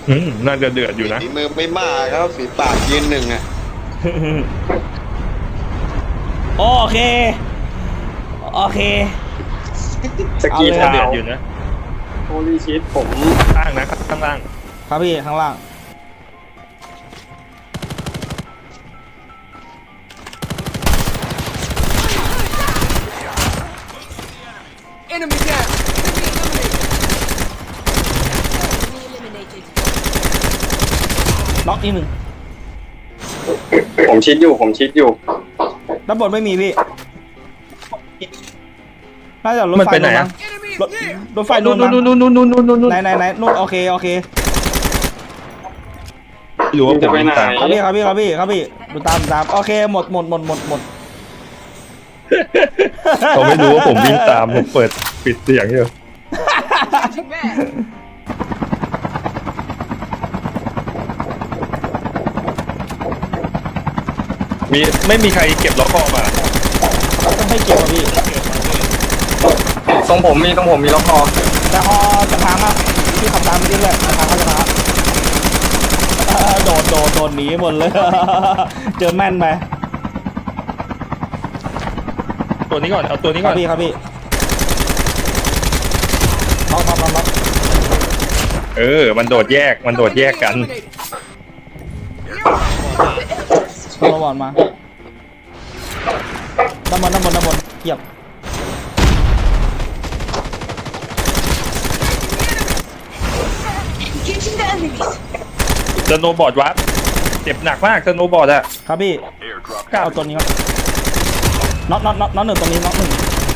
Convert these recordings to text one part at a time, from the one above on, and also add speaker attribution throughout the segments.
Speaker 1: น่าจะเดือดอยู่นะ
Speaker 2: ฝีมือไม่มากครับฝีปากยืนหนึ่งอ่ะ
Speaker 3: โอเคโอเค
Speaker 4: สกี
Speaker 3: เอาเลย
Speaker 4: เท้า
Speaker 1: เดือดอยู่นะ
Speaker 4: โฮลี่ชีตผม
Speaker 1: ข้างนะข้างล่าง
Speaker 3: ครับพี่ข้างล่าง น็อกอีกหนึ่ง
Speaker 4: ผมชิดอยู่
Speaker 3: ด้านบนไม่มีพี่ น่าจะรถ
Speaker 1: มัน
Speaker 3: ไฟ
Speaker 1: ไปไหนอะ
Speaker 3: รถรถไฟ
Speaker 1: นู่น
Speaker 3: มั้ง
Speaker 1: นู่น
Speaker 3: ไหนนู่นโอเค
Speaker 1: หรือว่าผมวิ่งตาม
Speaker 3: ครับพี่ดูตามโอเคหมด
Speaker 1: เขาไม่รู้ว่าผมวิ่งตามผมเปิดปิดเสียงอยู่ไม่มีใครเก็บล็อกคอมา
Speaker 3: ต้องให้เกี่ยวอะพี่
Speaker 4: ตรงผมมีล็อกคอ
Speaker 3: แต่พอจะพังอ่ะพี่ขับตามไปเรื่อยๆจะพังโดดหนีหมดเลย เจอแม่นไป
Speaker 1: ตัวนี้ก่อนเอาตัวนี้
Speaker 3: ค
Speaker 1: ก่
Speaker 3: รั
Speaker 1: อบ น
Speaker 3: พี่ล็อก
Speaker 1: มันโดดแยกกัน
Speaker 3: ระวังมาด้านบนเหยียบ
Speaker 1: สโนว์บอร์ดวัดเจ็บหนักมากสโนว์บอร์ดอะ
Speaker 3: ครับพี่เอาตัวนี้ครับน็อกหนึ่งตรงนี้น็อกหนึ่ง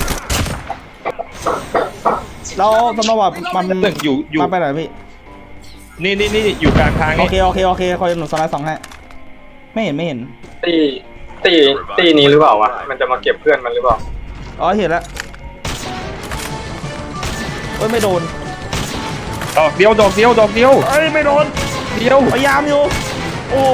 Speaker 3: แล้วสมมติว่ามัน
Speaker 1: หนึ่งอยู่
Speaker 3: มาไปไหนพี่
Speaker 1: นี่อยู่กลางทาง
Speaker 3: โอ
Speaker 1: นี่
Speaker 3: เคคอยหนุนสไลด์สองให้ไม่เห็น
Speaker 4: ตีนี้หรือเปล่าวะมันจะมาเก็บเพื่อนมันหรือเปล่า
Speaker 3: อ๋อเห็นแล้วเอ้ยไม่โดน
Speaker 1: ดอกเดียว
Speaker 3: เอ้ยไม่โดน
Speaker 1: เดียว
Speaker 3: พยายามอยู่โอ้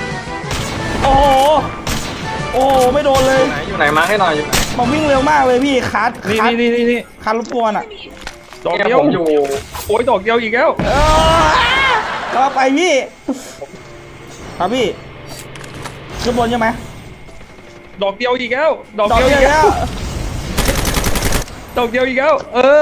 Speaker 3: โหไม่โดนเลย
Speaker 4: อยู่ไหนมาให้หน่อยอยู่ไหน
Speaker 3: มันวิ่งเร็วมากเลยพี่คัด
Speaker 1: นี่
Speaker 3: คัดรบกวนอ่ะ
Speaker 1: ดอก
Speaker 4: เนี่ย
Speaker 1: เดียว
Speaker 4: ผมอยู่
Speaker 1: โอ้ยดอกเดียวอีกแล้ว
Speaker 3: ก็ไปพี่ครับพี่ขึ้นบนใช่ไหม
Speaker 1: ดอกเดียวอีกแล้ว
Speaker 3: ดอกเดียวแล้ว
Speaker 1: ดอกเดียวอีกแล้ว
Speaker 3: เออ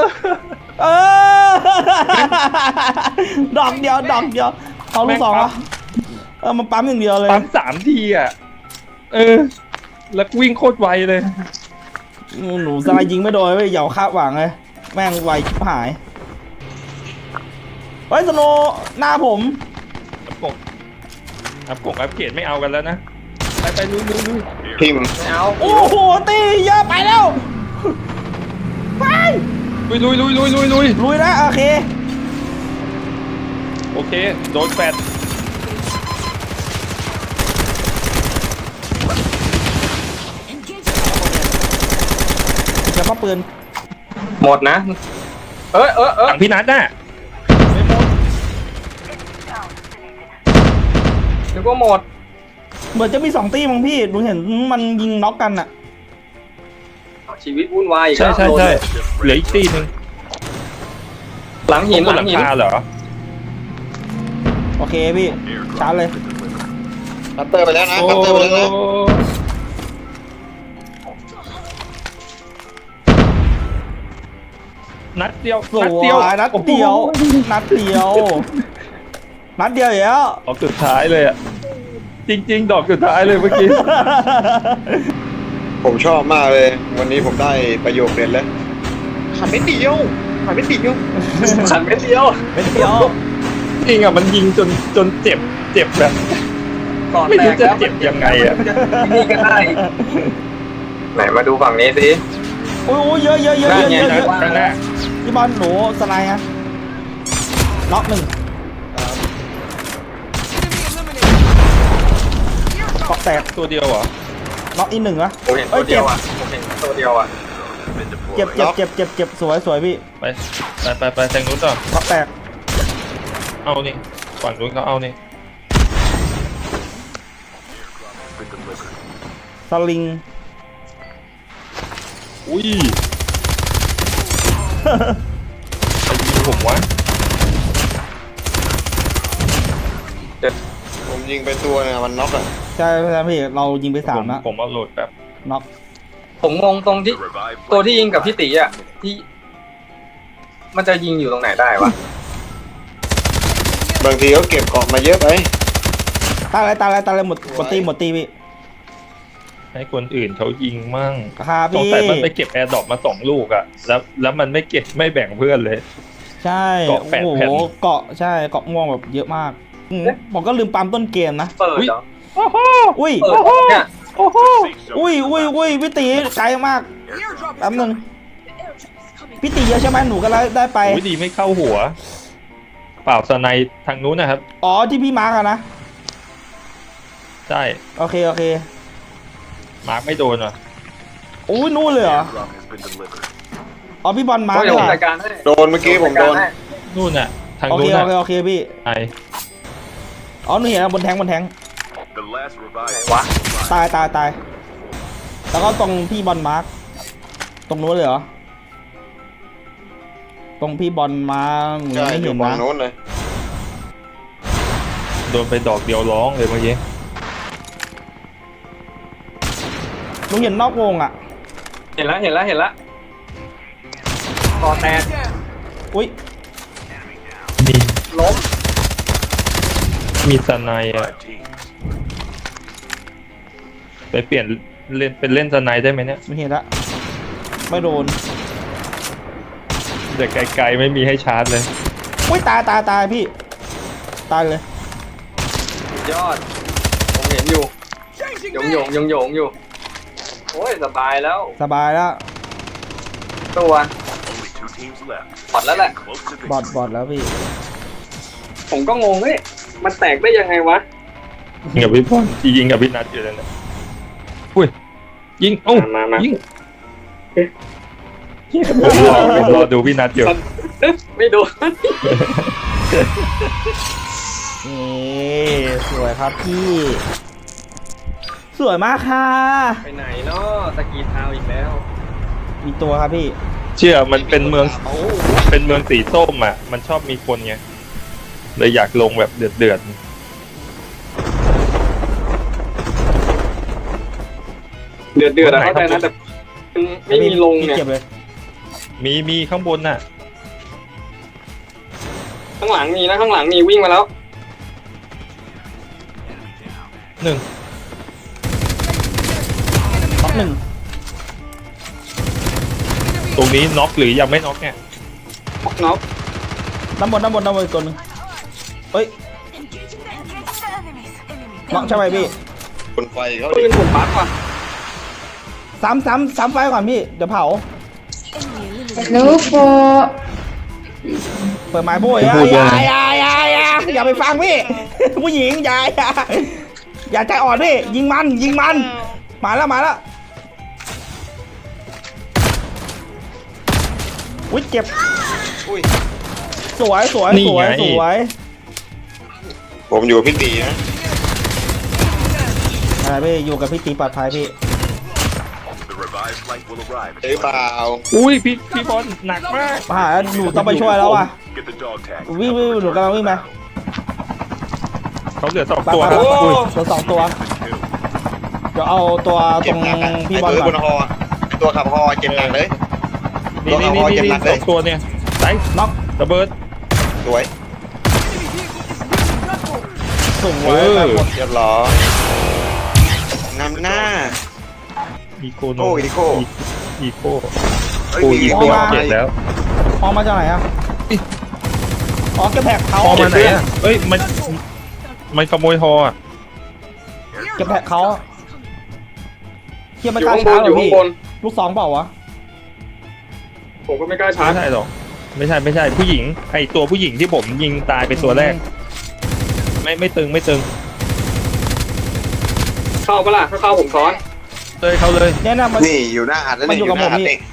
Speaker 3: ดอกเดียวเอาลูกสองเหรอมันปั๊มอย่างเดียวเลย
Speaker 1: ปั๊ม3 ทีอ่ะแล้ววิ่งโคตรไวเลย
Speaker 3: หนูสไลด์ยิงไม่โดนเว้ยเหยาคาดหวังเลยแม่งไวชิบหายเฮ้ยสโนว์หน้าผม
Speaker 1: อัพเกรดไม่เอากันแล้วนะไปลุย
Speaker 2: พิมพ์
Speaker 4: ไม่เอา
Speaker 3: โอ้โหตีเยอะไปแล้วไป
Speaker 1: ลุย
Speaker 3: ลุยนะโอเค
Speaker 1: โอเคโดนแฟด
Speaker 3: จะมาปืน
Speaker 4: หมดนะ
Speaker 1: หลังพี่นัทน่ะ
Speaker 4: นึกว่าหมด
Speaker 3: เหมือนจะมี2 ตีมั้งพี่หนูเห็นมันยิงน็อกกันอะ
Speaker 4: ชีวิตวุ่นวายอีก
Speaker 1: ใช่
Speaker 4: แล้ว
Speaker 1: เหลืออีกตีนึง
Speaker 4: หลังหิน
Speaker 1: บนหลังคาเหรอ
Speaker 3: โอเคพี่ชาร์จเลย
Speaker 2: คัตเตอร์ไปแล้วนะคัตเตอร์ไปแล้วนะ
Speaker 1: นัดเดียว
Speaker 3: สวยนัดเดียวอีกแล้ว
Speaker 1: ดอกสุดท้ายเลยอ่ะจริงดอกสุดท้ายเลยเมื่อกี้
Speaker 2: ผมชอบมากเลย วันนี้ผมได้ประโยคเด็ดแล้วขันไม่เดียว
Speaker 4: ขันเม็ดเดียว
Speaker 3: เป็นเดียว
Speaker 1: จริงอ่ะมันยิงจนเจ็บแบบ
Speaker 4: ก่อน
Speaker 1: ไม่
Speaker 4: แต
Speaker 1: รู้
Speaker 4: ก
Speaker 1: จะ
Speaker 4: แล้ว
Speaker 1: เจ็บยังไงอ่ะ
Speaker 4: นี่ก็ได้ไหนมาดูฝั่งนี้สิ
Speaker 3: โอ้ยเยอะ
Speaker 1: ข้างหน้า
Speaker 3: พี่บอลหนูสไลด์ฮะน็อก1เกาะแตก
Speaker 1: ตัวเดียวเหรอ
Speaker 3: น็อกอีก1วะ
Speaker 4: ผมเห็นตัวเดียวอ่ะ
Speaker 3: เจ็บสวยพี่
Speaker 1: ไปแทงนู้นต่อ
Speaker 3: เกาะแตก
Speaker 1: เอานี่ฝั่งนู้นเขาเอานี่
Speaker 3: สลิง
Speaker 1: อุ้ยใครยิงผมวะ
Speaker 2: ผมยิงไปตัวเนี่ยมันน็อกอะ
Speaker 3: ใช่ใช่พี่เรายิงไปสามนะ
Speaker 1: ผมเอาโหลดแบบ
Speaker 3: น็อก
Speaker 4: ผมงงตรงที่ตัวที่ยิงกับพี่ตีอ่ะที่ มันจะยิงอยู่ตรงไหนได้วะ
Speaker 2: บางทีเขาเก็บเกาะมาเยอะไป
Speaker 3: ตายเลยหมดตีพี่
Speaker 1: ให้คนอื่นเขายิงมั่ง
Speaker 3: ครับ
Speaker 1: สง
Speaker 3: พี่
Speaker 1: สัยมันไปเก็บแอร์ดรอปมา2 ลูกอะแล้วมันไม่เก็บไม่แบ่งเพื่อนเลย
Speaker 3: ใช่
Speaker 1: เกาะแปด
Speaker 3: โอ้โห
Speaker 1: แผ่น
Speaker 3: เกาะใช่เกาะม่วงแบบเยอะมากผมก็ลืมปั๊มต้นเกมนะ
Speaker 4: เปิดเหรอ
Speaker 1: โอ้โห
Speaker 3: อุ้ย
Speaker 4: เปิดเนี่ย
Speaker 1: โอ้โห
Speaker 3: อุ้ยพี่ตีไกลมากแป๊บนึงพี่ตีเยอะใช่ไหมหนูก็ได้ไป
Speaker 1: โอ้ยดีไม่เข้าหัว เปล่าสไนด์ทางนู้นนะครับ
Speaker 3: อ๋อที่พี่มาร์กอะนะ
Speaker 1: ใช่
Speaker 3: โอเค
Speaker 1: มาร์กไม่โดนอ่ะ
Speaker 3: อุ้ยนู่นเลยเหรออ๋อพี่บอลมาร์ก
Speaker 4: เดี๋ยว
Speaker 3: เห
Speaker 4: ผ
Speaker 3: ร
Speaker 4: ม
Speaker 3: อ
Speaker 4: จัดการให้
Speaker 2: โดนเมื่อกี้ผมโดน
Speaker 1: นู่นอ่ะ ทาง
Speaker 3: โอ
Speaker 1: นู้
Speaker 3: เคน
Speaker 1: อ่ะ
Speaker 3: โอเคพี่
Speaker 1: ไอ
Speaker 3: อ๋อหนูเห็นแล้วบนแทง
Speaker 4: ไหนวะ
Speaker 3: ตายแล้วก็ตรงพี่บอลมาร์กตรงนู้นเลยเหรอตรงพี่บอลมาร์กหนู
Speaker 2: ใช่
Speaker 3: ไม่
Speaker 2: อ
Speaker 3: เห็
Speaker 2: ยู่
Speaker 3: น
Speaker 2: ฝั่ง
Speaker 3: นะ
Speaker 2: โน้นเลย
Speaker 1: โดนไปดอกเดียวร้องเลยเมื่อกี้
Speaker 3: หนูเห็นนอกวงอ่ะ
Speaker 4: เห็นแล้วคอแตก
Speaker 3: อุ้ย
Speaker 1: มี
Speaker 4: ล้ม
Speaker 1: มีสไนด์อ่ะไปเปลี่ยนเล่นเป็นเล่นสไนด์ได้ไหมเนี่ย
Speaker 3: ไม่เห็นละไม่โดน
Speaker 1: แต่ไกลๆไม่มีให้ชาร์จเลย
Speaker 3: อุ้ยตายพี่ตายเลย
Speaker 4: ยอด ผมเห็นอยู่หยงอยู่ โอ้ยสบายแล้ว
Speaker 3: สบายแล้ว
Speaker 4: ตัวพอดแล้วแหละ
Speaker 3: บอดแล้วพี่
Speaker 4: ผมก็งงเฮ้ยมันแตกได้ยังไงวะ
Speaker 1: ยิงกับพี่พรที่ยิงกับพี่นัทอยู่แล้วนะอุ้ยยิงโอ้า
Speaker 4: มา
Speaker 1: ยิงผมรอดูพี่นัทอยู่
Speaker 4: ไม่ดู
Speaker 3: นี่สวยครับพี่ สวยมากค่ะ
Speaker 4: ไปไหนเนาะสกีเท้าอีกแล้ว
Speaker 3: มีตัวครับพี่
Speaker 1: เชื่อมันเป็นเมืองสีส้มอ่ะ มันชอบมีคนไงเลยอยากลงแบบเดือด
Speaker 4: เดือดอะเข้าใจนะแต่ไม่มีลง
Speaker 3: พี่
Speaker 4: เนี่ย
Speaker 3: เก็บเลย
Speaker 1: ๆมีข้างบนน่ะ
Speaker 4: ข้างหลังมีนะข้างหลังมีวิ่งมาแล้ว
Speaker 1: 1
Speaker 3: ท็อปหนึ่ง
Speaker 1: ตรงนี้น็อกหรือยังไม่น็อกเนี่ย
Speaker 4: น็อก
Speaker 3: ด้านบนอีกตัวหนึ่งเฮ้ยน็อกใช่ไหมพี่
Speaker 2: บนไฟเขา
Speaker 4: ปื
Speaker 2: ดิ
Speaker 4: นผมปักว่ะ
Speaker 3: ซ้ำไฟก่อนพี่เดี๋ยวเผา
Speaker 5: Look for
Speaker 3: เปิดไม้โบยอย่าไปฟังพี่ ผู้หญิงอย่าใจอ่อนพี่ยิงมันมาแล้วอุ้ยเจ็บ
Speaker 2: อุ้ย
Speaker 3: สวย
Speaker 2: ผมอยู่กับพี่ตีนะ
Speaker 3: อะไรพี่อยู่กับพี่ตีปลอดภัยพี่
Speaker 2: หรือเปล่า
Speaker 1: อุ้ยพี่บอลหนักมาก
Speaker 3: มาหาหนูต้องไปช่วยแล้วว่ะวิ่งหนูกำลังวิ่งไป
Speaker 1: เขาเหลือ2
Speaker 3: ไป
Speaker 1: ตัว
Speaker 3: ไป
Speaker 1: ครับ
Speaker 3: ไป
Speaker 1: อุ้ย
Speaker 3: ตัวสองตัวเดี๋ยวเอาตัวต
Speaker 2: เจ็
Speaker 3: ร
Speaker 2: บ
Speaker 3: ง
Speaker 2: หนักอะ
Speaker 3: พี่
Speaker 2: ไอ้
Speaker 3: บอล
Speaker 2: ตัว
Speaker 3: ก่
Speaker 2: บ
Speaker 3: อน
Speaker 2: นฮออะไอ้ตัวขับฮอเจ็บหนักเลย
Speaker 1: นี่ 2 ตัวเนี่ยไซส์
Speaker 3: น็อก
Speaker 1: ระเบิด
Speaker 2: สวย
Speaker 3: สูง
Speaker 1: เอ
Speaker 3: ไว้
Speaker 1: อ
Speaker 3: ไปหมด
Speaker 2: เรียบร้อยนำหน้า
Speaker 1: อีโคโน
Speaker 2: โอ้อีโค
Speaker 1: อีโค
Speaker 2: เฮ้ย
Speaker 1: โอ้
Speaker 2: มี
Speaker 1: อี
Speaker 2: อี
Speaker 1: โค
Speaker 2: โค
Speaker 1: เจ็บแล้ว
Speaker 3: ออกมาจากไหนอะอ๋อเก็บแผกเขา
Speaker 1: ฮอมาไหนอ่ะเอ้ยมันขโมยฮออ่ะ
Speaker 3: เก็บแผกเขาเทียบ
Speaker 4: อ
Speaker 3: ไม่
Speaker 4: ยู่
Speaker 3: กล้า
Speaker 4: ข้างบ
Speaker 3: ชาน ร์จ
Speaker 4: อ
Speaker 3: เลย
Speaker 4: ยู่ข้าง
Speaker 3: พี่
Speaker 4: บน
Speaker 3: ลูกสองเปล่าวะ
Speaker 4: ผมก็ไม่กล้าชาร์
Speaker 1: ไม่
Speaker 4: จ
Speaker 1: ใช่หรอกไม่ใช่ผู้หญิงไอตัวผู้หญิงที่ผมยิงตายเป็นตัวแรก ไม่ตึง
Speaker 4: เข้าปะล่ะถ้าเข้าผมซ้อน
Speaker 1: เลยเขาเลย
Speaker 3: เนี่ยนะมัน
Speaker 2: นี่อยู่หน้าอัดแล้ว
Speaker 3: มัน
Speaker 2: นี่
Speaker 3: อยู่
Speaker 2: อ
Speaker 3: กับ
Speaker 2: ยู่หน้าอัด
Speaker 3: ผมนี่
Speaker 2: เด็ก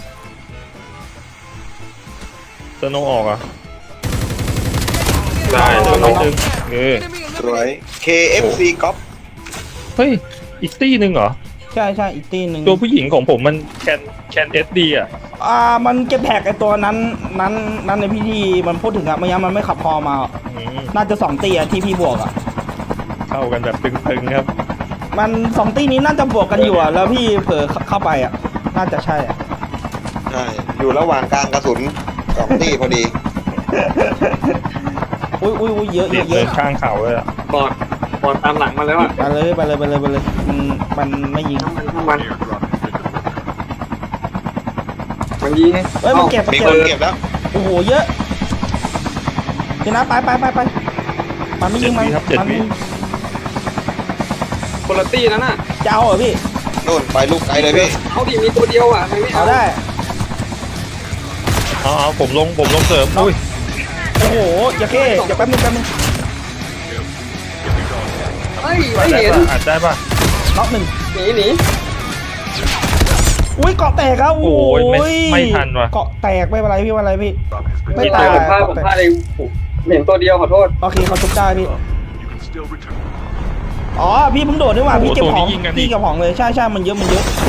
Speaker 1: สโนว์ออกอ่ะ
Speaker 4: ได้
Speaker 1: ไม่ตึง
Speaker 2: สวย KFC ก๊อป
Speaker 1: เฮ้ยอีกตี้หนึ่งเหรอ
Speaker 3: ใช่อีกตีหนึ่ง
Speaker 1: ตัวผู้หญิงของผมมันแคนเอสดีอ่ะ
Speaker 3: มันเก็บแผกไอตัวนั้นในพิธีมันพูดถึงอะไม่งั้นมันไม่ขับพอมา
Speaker 1: อืม
Speaker 3: น่าจะ2 ตีอะที่พี่บวกอะ
Speaker 1: เข้ากันแบบตึงๆครับ
Speaker 3: มันสองตีนี้น่าจะบวกกันอยู่อ่ะแล้วพี่เผลอเข้าไปอ่ะน่าจะใช่อ่ะ
Speaker 2: ใช่อยู่ระหว่างกลางกระสุน2 ที่พอดี
Speaker 3: อุ้ยเยอะ
Speaker 1: ติด
Speaker 3: เย
Speaker 1: เดิ
Speaker 3: อะ
Speaker 1: นข้างเขาเลยอะ
Speaker 4: บอดตามหลังมาแล้วอ่ะ
Speaker 3: ไปเลยมันไม่ยิง
Speaker 4: มันยิง
Speaker 3: เฮ้ยมันเก็บ
Speaker 2: มีคนเก็บแล้ว
Speaker 3: โอ้โหเยอะเดี๋ยวนะไปมันไม่ยิงมัน
Speaker 4: คนละตี้นั่นน่ะ
Speaker 3: จะเอาเหรอพี่
Speaker 2: นู่นไปลูกไกลเลยพี่
Speaker 4: เอาดิมีตัวเดียวอ่ะไม่
Speaker 3: เอา
Speaker 4: เอา
Speaker 3: ได้
Speaker 1: เอาผมลงเสริมอุ้ย
Speaker 3: โอ้โหอย่าเก้อย่าแป๊บนึง
Speaker 4: เฮ้ยไม่เห็น
Speaker 1: อาจได้ป่ะ
Speaker 3: น็อกหนึ่ง
Speaker 4: หนี
Speaker 3: อุ้ยเกาะแตกครับ
Speaker 1: โอ้ยไม่ทันว่ะ
Speaker 3: เกาะแตกไม่เป็นไรพี่ไม่
Speaker 4: ไม่
Speaker 3: ตา
Speaker 4: ตาย ยผมพลาดเองเห็นตัวเดียวขอโทษ
Speaker 3: โอเคเขาทุบได้พี่อ๋อพี่เพิ่งโดดด้วยว่ะพี่เก็บของพี่เก็บของเลยใช่มันเยอะ
Speaker 4: กิน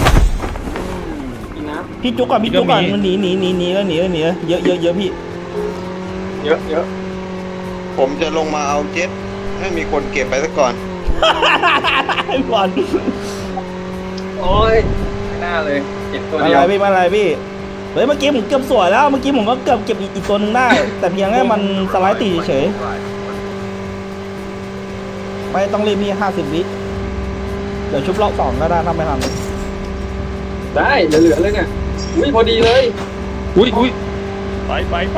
Speaker 4: น้
Speaker 3: พี่จุกก่อนมันหนีแล้วเยอะพี่
Speaker 4: ำเยอะ
Speaker 2: ผมจะลงมาเอาเจ็ตให้มีคนเก็บไปซะก่อน
Speaker 3: บอล
Speaker 4: โอ้ยไม่น่าเลยเห็นตัว
Speaker 3: มา
Speaker 4: เดียว
Speaker 3: อะไรพี่เฮ้ยเมื่อกี้ผมเกือบสวยแล้วเมื่อกี้ผมก็เกือบเก็บอีกตัวนึงได้ แต่เพียงแค่มันสไลด์ตีเฉยไม่ต้องรีบพี่50 วิเดี๋ยวชุบรอบ2ก็ได้ถ้าไม่ทัน
Speaker 4: ได้เหลือเลยเนี่ยอุ้ยพอดีเลย
Speaker 1: อุ้ยไป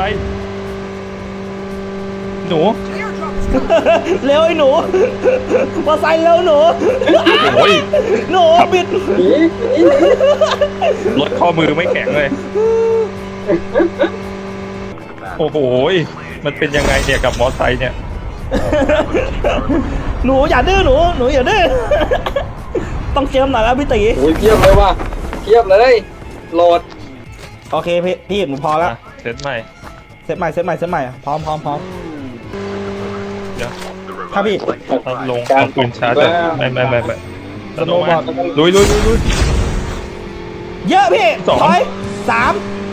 Speaker 1: หนู
Speaker 3: เร็วไอ้หนูมาใส่เร็วหนู
Speaker 1: โอ้ย
Speaker 3: หนูบิด
Speaker 4: หนี
Speaker 1: รถข้อมือไม่แข็งเลย โอ้โหมันเป็นยังไงเนี่ยกับมอไซค์เนี่ย
Speaker 3: หนูอย่าดื้อหนูอย่าดื้อต้องเจิมหน่อยแล้วพี่ตี
Speaker 4: โอ้ยเทียบเลยว่ะเทียบเลยโหลด
Speaker 3: โอเคพี่หนูพอแล้ว
Speaker 1: เซตใหม่
Speaker 3: เซตใหม่พร้อม
Speaker 1: เดี๋ยว
Speaker 3: ครับพี่
Speaker 1: เอาลงเอาปืนชาร์จไม่
Speaker 3: สโนว์บอร์ด
Speaker 1: ลุย
Speaker 3: เยอะพี่
Speaker 1: สอง
Speaker 3: ถอยสาม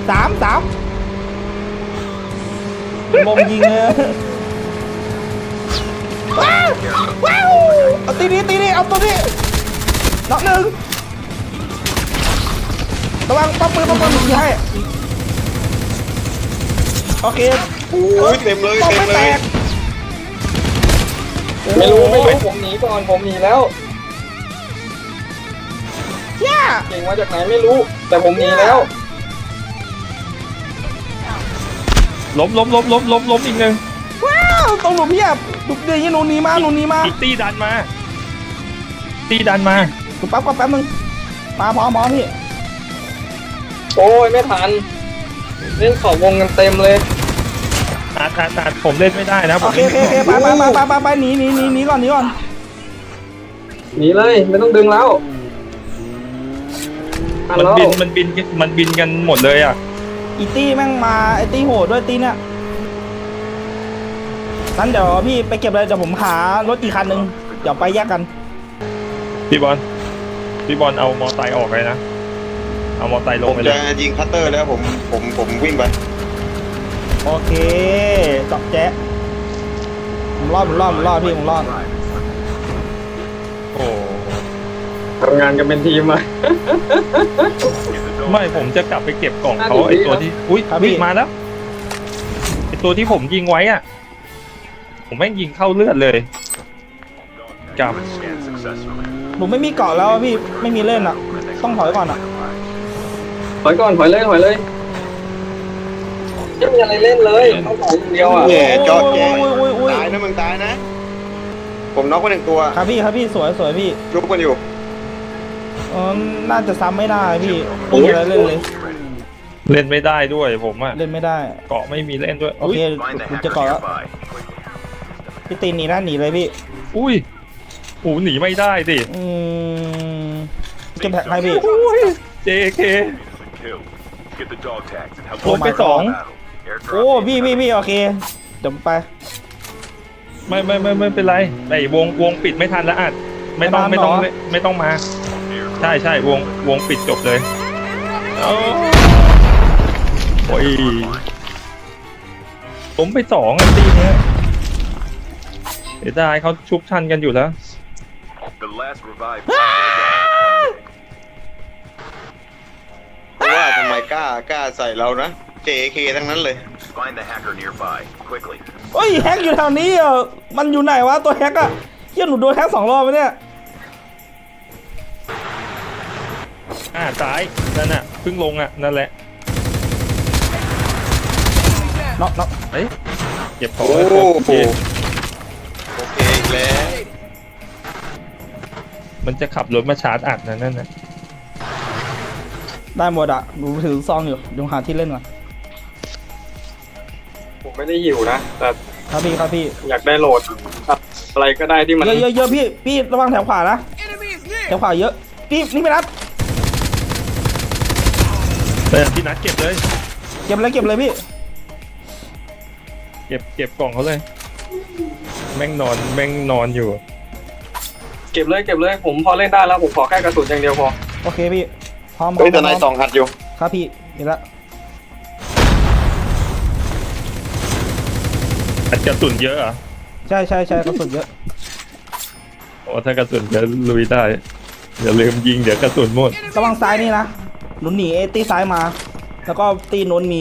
Speaker 3: ลงยิงเลยว้าวเอาตีนี้เอาตัวนี้น็อกหนึ่งระวังป้อมปืนยิงให้โอเค
Speaker 2: โอ้ยเต็มเลย
Speaker 3: ป้อม
Speaker 2: เต็ม
Speaker 3: ไม่
Speaker 2: เล
Speaker 3: แต
Speaker 2: ย
Speaker 3: ก
Speaker 4: ไม่รู้ผมหนีก่อนผมหนีแล้ว
Speaker 3: ย่า
Speaker 4: เก่งมาจากไหนไม่รู้ แต่ผมหนีแล้ว
Speaker 1: ล้มอีกหนึ่ง
Speaker 3: ว้าวต้องหนูเพียบดุเดือยหนูหนีมา
Speaker 1: อีกตีดันมา
Speaker 3: หนูแป๊บนึงมาพร้อมพี่
Speaker 4: โอ้ยไม่ทันเล่นขอบวงกันเต็มเลย
Speaker 1: อาจผมเล่นไม่ได้นะผ
Speaker 3: โอ
Speaker 1: ม
Speaker 3: เคไปหนีก่อน
Speaker 4: หนีเลยไม่ต้องดึงแล้วทัน
Speaker 1: มัน
Speaker 4: แล้ว
Speaker 1: บินกันหมดเลยอ่ะ
Speaker 3: อีตี้แม่งมาไอตี้โหดด้วยตี้เนี่ยงั้นเดี๋ยวพี่ไปเก็บเลยเดี๋ยวผมหารถอีกคันนึงเดี๋ยวไปแยกกัน
Speaker 1: พี่บอลเอามอไซค์ออกเลยนะเอามอไซค์ล
Speaker 2: ผ
Speaker 1: ง
Speaker 2: ม
Speaker 1: ไปเล
Speaker 2: จะ
Speaker 1: ย
Speaker 2: ยิงคัตเตอร์แล้วผมวิ่งไป
Speaker 3: โอเคจบแจ๊ะผมรอดพี่ผมรอด
Speaker 1: โอ้
Speaker 4: ทำงานกันเป็นทีมอะ
Speaker 1: ไม่ผมจะกลับไปเก็บกล่องเขา
Speaker 4: น่าจะ
Speaker 1: ไอตัวที่อุ้ย
Speaker 3: ครับพี่
Speaker 1: วิ่งมาแล้วไอตัวที่ผมยิงไว้อ่ะผมแม่งยิงเข้าเลือดเลยกับ
Speaker 3: ผมไม่มีเกาะแล้วอะพี่ไม่มีเล่นอ่ะ ต้องถอยก่อนอ่ะ
Speaker 4: ถอยก่อนถอยเลยไม่มีอะไรเล่นเลยต้องถอยอย่างเดียวอ่ะ
Speaker 2: แย่จอดแย่
Speaker 3: อุ้ย
Speaker 2: ตายนะมึงตายนะ ผมน็อกไป1 ตัว
Speaker 3: ครับพี่สวยพี่
Speaker 2: ยุบกันอยู่
Speaker 3: น่าจะซ้ำไม่ได้พี่ไม่มีอะไรเล่นเลย
Speaker 1: เล่นไม่ได้ด้วยผมอ่ะ
Speaker 3: เล่นไม่ได้
Speaker 1: เกาะไม่มีเล่นด้วย
Speaker 3: โอเคผมจะเกาะแล้วพี่ตีนหนีเลยพี่
Speaker 1: อุ้ยโอ้หนีไม่ได้สิ
Speaker 3: เก็บแท็กให้พี่
Speaker 1: JK
Speaker 6: Get the dog tags and help
Speaker 1: โดนไปสอง
Speaker 3: โอ้พี่โอเคเดี๋ยวไป
Speaker 1: ไม่เป็นไรไอ้วงปิดไม่ทันแล้วอัดไม่ต้องมาใช่วงปิดจบเลยโอ้ยผมไป2อ่ะตีเนี้ยเสียดายเขาชุบชันกันอยู่แล้ว
Speaker 6: The last revived.
Speaker 2: เพราะว่าทำไมกล้าใส่เรานะ JK ทั้งนั้นเลย
Speaker 6: Find the hacker nearby, quickly.
Speaker 3: เฮ้ยแฮกอยู่แถวนี้อ่ะมันอยู่ไหนวะตัวแฮกอะเฮียหนูโดนแฮก2 รอบไปเนี่ย
Speaker 1: ซ้ายนั่นน่ะเพิ่งลงอ่ะนั่นแหละ
Speaker 3: น็อก
Speaker 1: เฮ้ยเก็บของ
Speaker 2: โอ้
Speaker 1: ไว้
Speaker 2: โห
Speaker 1: โอเค
Speaker 2: โอเคอีกแล้ว
Speaker 1: มันจะขับรถมาชาร์จอัดนะนั่นนะ
Speaker 3: ได้หมดอะหนูถือซองอยู่เดี๋ยวหาที่เล่นก่อน
Speaker 4: ผมไม่ได้หิวนะ แต่
Speaker 3: ครับพี่
Speaker 4: อยากได้โหลดอะไรก็ได้ที่มัน
Speaker 3: เยอะพี่ระวังแถวขวานะแถวขวาเยอะนี่ไปนัด
Speaker 1: พี่นัดเก็บเลย
Speaker 3: เก็บเลยพี่
Speaker 1: เก็บกล่องเขาเลย แม่งนอนอยู่
Speaker 4: เก็บเลยผมพอเล่นได้แล้วผมขอแค่กระสุนอย่างเดียวพอ
Speaker 3: โอเคพี่พร้อม
Speaker 2: เฮ้ยแต่นาย2 อัดอยู่
Speaker 3: ครับพี่เห็นละ
Speaker 1: อัดกระสุนเยอะเหรอ่ะ
Speaker 3: ใช่กระสุนเยอะ
Speaker 1: โอ้ถ้ากระสุนเยอะลุยได้อย่าลืมยิงเดี๋ยวกระสุนหมด
Speaker 3: ระวังซ้ายนี่นะหนูหนีตีซ้ายมา แล้วก็ตีโน้นมี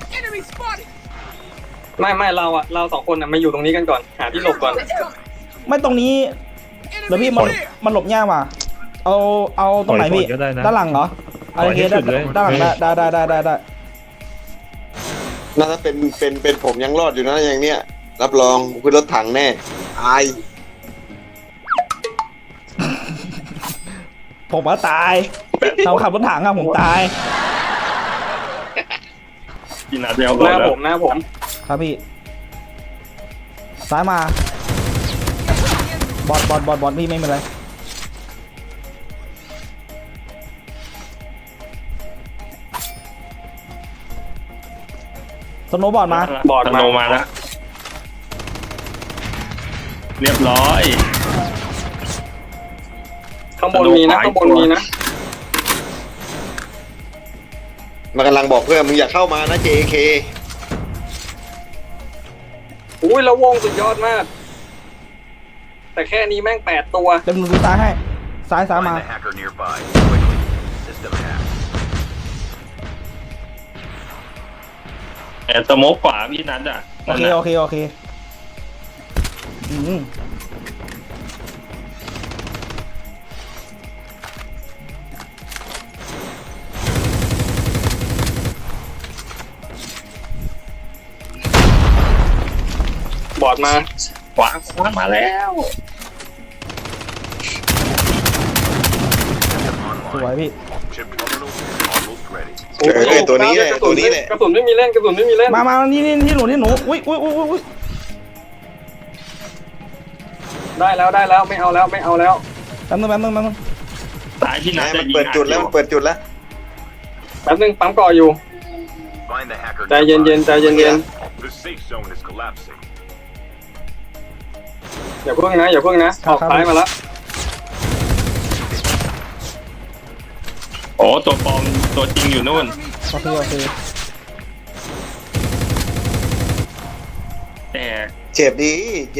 Speaker 4: ไม่เราสองคนน่ะมาอยู่ตรงนี้กันก่อนหาที่หลบก่อน
Speaker 3: ไม่ตรงนี้เดี๋ยวพี่มันหลบยากว่ะเอาตรงไหนพี่
Speaker 1: ถอยก็ได้นะ
Speaker 3: ด้านหลังเหรอโอเค
Speaker 1: ถอยให้สุดเลย
Speaker 3: ด้านหลังได้
Speaker 2: น่าจะเป็นผมยังรอดอยู่นะอย่างเนี้ย รับรองคือรถถังแน่ตาย
Speaker 3: ผมว่าตายเราขับรถถังอะผมตาย
Speaker 1: พี่นัดเดียว
Speaker 4: ห
Speaker 1: ก่อน
Speaker 4: น้า
Speaker 1: แล้ว
Speaker 4: ผม
Speaker 3: ครับพี่ซ้ายมาบอดพี่ไม่เป็นไรสโนว์บอร์ดมา
Speaker 4: บอร์ด
Speaker 1: ธนูมาแล้วเรียบร้อย
Speaker 4: ข้างบนมีนะข้างบนมีนะ
Speaker 2: มันกำลังบอกเพื่อนมึงอย่าเข้ามานะ JK
Speaker 4: อุ้ยแล้ววงสุดยอดมาก แต่แค่นี้แม่ง8 ตัว
Speaker 3: เดี๋ยวหนูดูซ้ายให้ซ้าย
Speaker 6: Find
Speaker 3: มา
Speaker 6: the hacker nearby, quickly. System hacked.
Speaker 1: สโมกขวาพี่นัดอ่ะ
Speaker 3: โอเคอืม
Speaker 4: บอร์ดมา
Speaker 1: ขวามาแล้ว
Speaker 3: สวยพี่
Speaker 6: Chip terminal almost ready.
Speaker 2: ตัวนี้แหละตัวนี้แหละ
Speaker 4: กระสุนไม่มีเล่น
Speaker 3: มานี่ที่หนูอุ้ย
Speaker 4: ได้แล้วไม่เอาแล้ว
Speaker 3: แป๊บนึง
Speaker 1: สายพี่นัด
Speaker 2: มันเปิดจุดแล้ว
Speaker 4: แป๊บนึงปั๊มก่ออยู่
Speaker 6: Find the hacker
Speaker 4: ใจเย็น
Speaker 6: nearby. The safe zone is collapsing.
Speaker 4: อย่าเพิ่งนะออกซ้ายมาแล้ว
Speaker 1: โอ้ตัวปลอมตัวจริงอยู่นู่น
Speaker 3: โอเค
Speaker 1: แต่
Speaker 2: เจ็บดี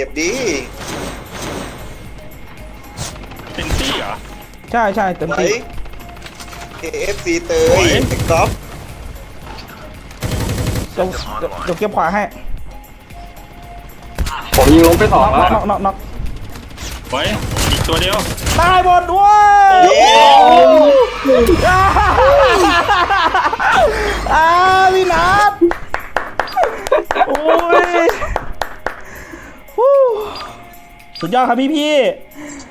Speaker 1: เป็นตี้เหรอ
Speaker 3: ใช่เต็ม
Speaker 2: ไหน
Speaker 3: ที่
Speaker 2: KFC เต
Speaker 1: โอ้
Speaker 2: ย
Speaker 1: ย
Speaker 2: ติ๊กต๊อก
Speaker 3: เดี๋ยวเก็บขวาให้
Speaker 4: ผมยิงล้มไป2แล้ว
Speaker 3: น็อก
Speaker 1: ไว้อีกตัวเดียว
Speaker 3: ตายหมดด้วย
Speaker 2: เย้
Speaker 3: พี่นัทโอ้ยสุดยอดครับพี่